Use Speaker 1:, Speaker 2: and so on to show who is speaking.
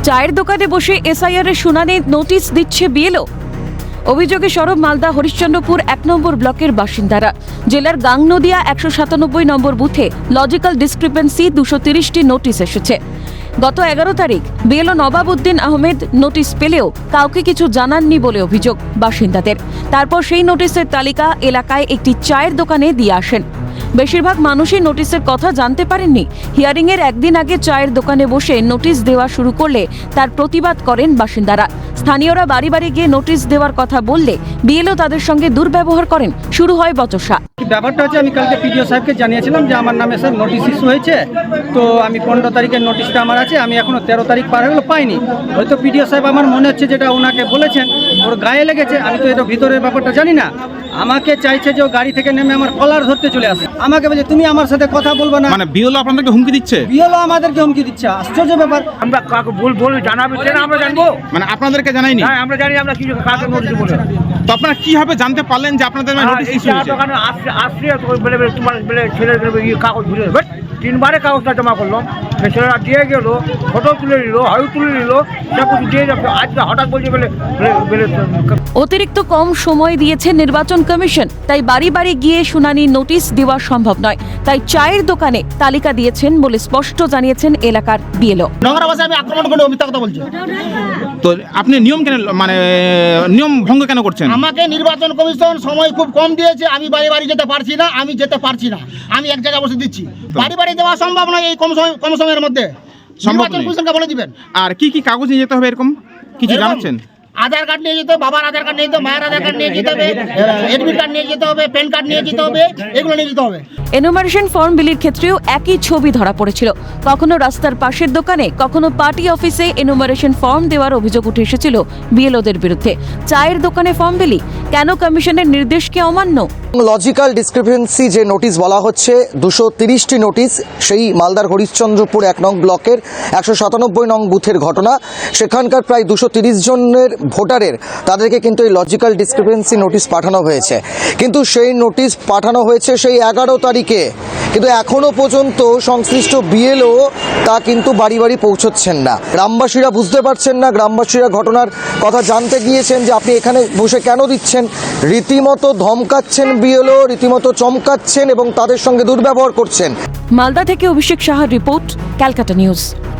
Speaker 1: চায়ের দোকানে বসে এসআইআর এর শুনানি নোটিশ দিচ্ছে বিএলও। অভিযোগে সরব মালদা হরিশ্চন্দ্রপুর 1 নম্বর ব্লকের বাসিন্দারা। জেলার গাংনদিয়া 197 নম্বর বুথে লজিক্যাল ডিসক্রিপেন্সি 230টি নোটিশ এসেছে। গত 11 তারিখ বিএলও নবাবউদ্দিন আহমেদ নোটিশ পেলেও কাউকে কিছু জানাননি বলে অভিযোগ বাসিন্দাদের। তারপর সেই নোটিশের তালিকা এলাকায় একটি চায়ের দোকানে দিয়ে আসেন। বেশিরভাগ মানুষই নোটিশের কথা জানতে পারেননি। হিয়ারিংয়ের একদিন আগে চায়ের দোকানে বসে নোটিশ দেওয়া শুরু করলে তার প্রতিবাদ করেন বাসিন্দারা। স্থানীয়রা বাড়ি বাড়ি গিয়ে নোটিশ দেওয়ার কথা বললে বিএলও তাদের সঙ্গে দুর্ব্যবহার করেন। শুরু হয় বচসা।
Speaker 2: ব্যাপারটা হচ্ছে, আমি কালকে পিডিও সাহেবকে জানিয়েছিলাম যে আমার নামে স্যার নোটিশ ইস্যু হয়েছে, তো আমি 15 তারিখের নোটিশটা আমার আছে, আমি এখনো 13 তারিখ পার হলো পাইনি। হয়তো পিডিও সাহেব আমার মনে হচ্ছে যেটা ওনাকে বলেছেন ওর গায়ে লেগেছে, আমি তো এটা ভিতরের ব্যাপারটা জানি না। আমাকে চাইছে যে ও গাড়ি থেকে নেমে আমার কলার ধরতে চলে আসে, আমাকে বলছে তুমি আমার সাথে কথা বলবে না।
Speaker 3: মানে বিএলও আপনাদেরকে হুমকি দিচ্ছে?
Speaker 2: বিএলও আমাদেরকে হুমকি দিচ্ছে, আশ্চর্য ব্যাপার।
Speaker 4: আমরা কাকে বল জানাবে না, আমরা জানবো।
Speaker 3: মানে আপনাদেরকে জানাইনি?
Speaker 4: হ্যাঁ, আমরা জানি, আমরা কিছু কাকে নোটিশ বলে।
Speaker 3: তো আপনারা কিভাবে জানতে পারলেন যে আপনাদের নোটিশ ইস্যু হয়েছে?
Speaker 4: দোকানে আসছে বলে তোমার ছেলে কাগজ ঘুরে 3বারে কাগজটা জমা করলো, ছেলেরা দিয়ে গেল, ফটো তুলে নিল, হাউ তুলে নিল, সব কিছু দিয়ে যাবে। আজকে হঠাৎ বলছে বলে
Speaker 1: অতিরিক্ত কম সময় দিয়েছে নির্বাচন কমিশন, তাই বাড়ি বাড়ি গিয়ে শুনানি নোটিশ দেওয়া সম্ভব নয়। তাই চায়ের দোকানে তালিকা দিয়েছেন বলে স্পষ্ট জানিয়েছেন এলাকার বিএলও।
Speaker 5: নোংরা ভাষায় আমি আক্রমণ করে মিথ্যা কথা বলছি।
Speaker 3: তো আপনি নিয়ম কেন, মানে নিয়ম ভঙ্গ কেন করছেন?
Speaker 5: আমাকে নির্বাচন কমিশন সময় খুব কম দিয়েছে, আমি বাড়ি বাড়ি যেতে পারছি না, আমি এক জায়গায় বসে দিচ্ছি। বাড়ি বাড়ি দেওয়া সম্ভব নয় এই কম সময়ের মধ্যে। নির্বাচন কমিশনকে বলে দিবেন।
Speaker 3: আর কি কি কাগজ নিয়ে যেতে হবে এরকম কিছু জানাচ্ছেন?
Speaker 5: আধার কার্ড নিয়ে যেতে হবে, বাবার আধার কার্ড নিয়ে যেতে হবে, মায়ের আধার কার্ড নিয়ে যেতে হবে, এডমিট কার্ড নিয়ে যেতে হবে, প্যান কার্ড নিয়ে যেতে হবে, এগুলো নিয়ে যেতে হবে।
Speaker 1: এনুমারেশন ফর্ম বিলির ক্ষেত্রেও একই ছবি ধরা পড়েছিল। কখনো রাস্তার পাশের দোকানে, কখনো পার্টি অফিসে এনুমারেশন ফর্ম দেওয়ার অভিযোগ উঠে এসেছিল বিএলওদের বিরুদ্ধে। চায়ের দোকানে ফর্ম বিলি কেন কমিশনের নির্দেশকে অমান্য?
Speaker 6: লজিক্যাল ডিসক্রিপেন্সি যে নোটিশ বলা হচ্ছে 230টি নোটিশ, সেই মালদার হরিশ্চন্দ্রপুর 1 নং ব্লকের 197 নং বুথের ঘটনা। সেখানকার প্রায় 230 জনের ভোটারের তাদেরকে কিন্তু এই লজিক্যাল ডিসক্রিপেন্সি নোটিশ পাঠানো হয়েছে। কিন্তু সেই নোটিশ পাঠানো হয়েছে সেই 11 তারিখে, কিন্তু এখনো পর্যন্ত সংশ্লিষ্ট বিএলও তা কিন্তু বাড়ি বাড়ি পৌঁছচ্ছেন না। গ্রামবাসীরা বুঝতে পারছেন না, গ্রামবাসীরা ঘটনার কথা জানতে গিয়েছেন যে আপনি এখানে বসে কেন দিচ্ছেন। রীতিমতো ধমকাচ্ছেন বিএলও, রীতিমতো চমকাচ্ছেন এবং তাদের সঙ্গে দুর্ব্যবহার করছেন।
Speaker 1: মালদা থেকে অভিষেক সাহার রিপোর্ট, ক্যালকাটা নিউজ।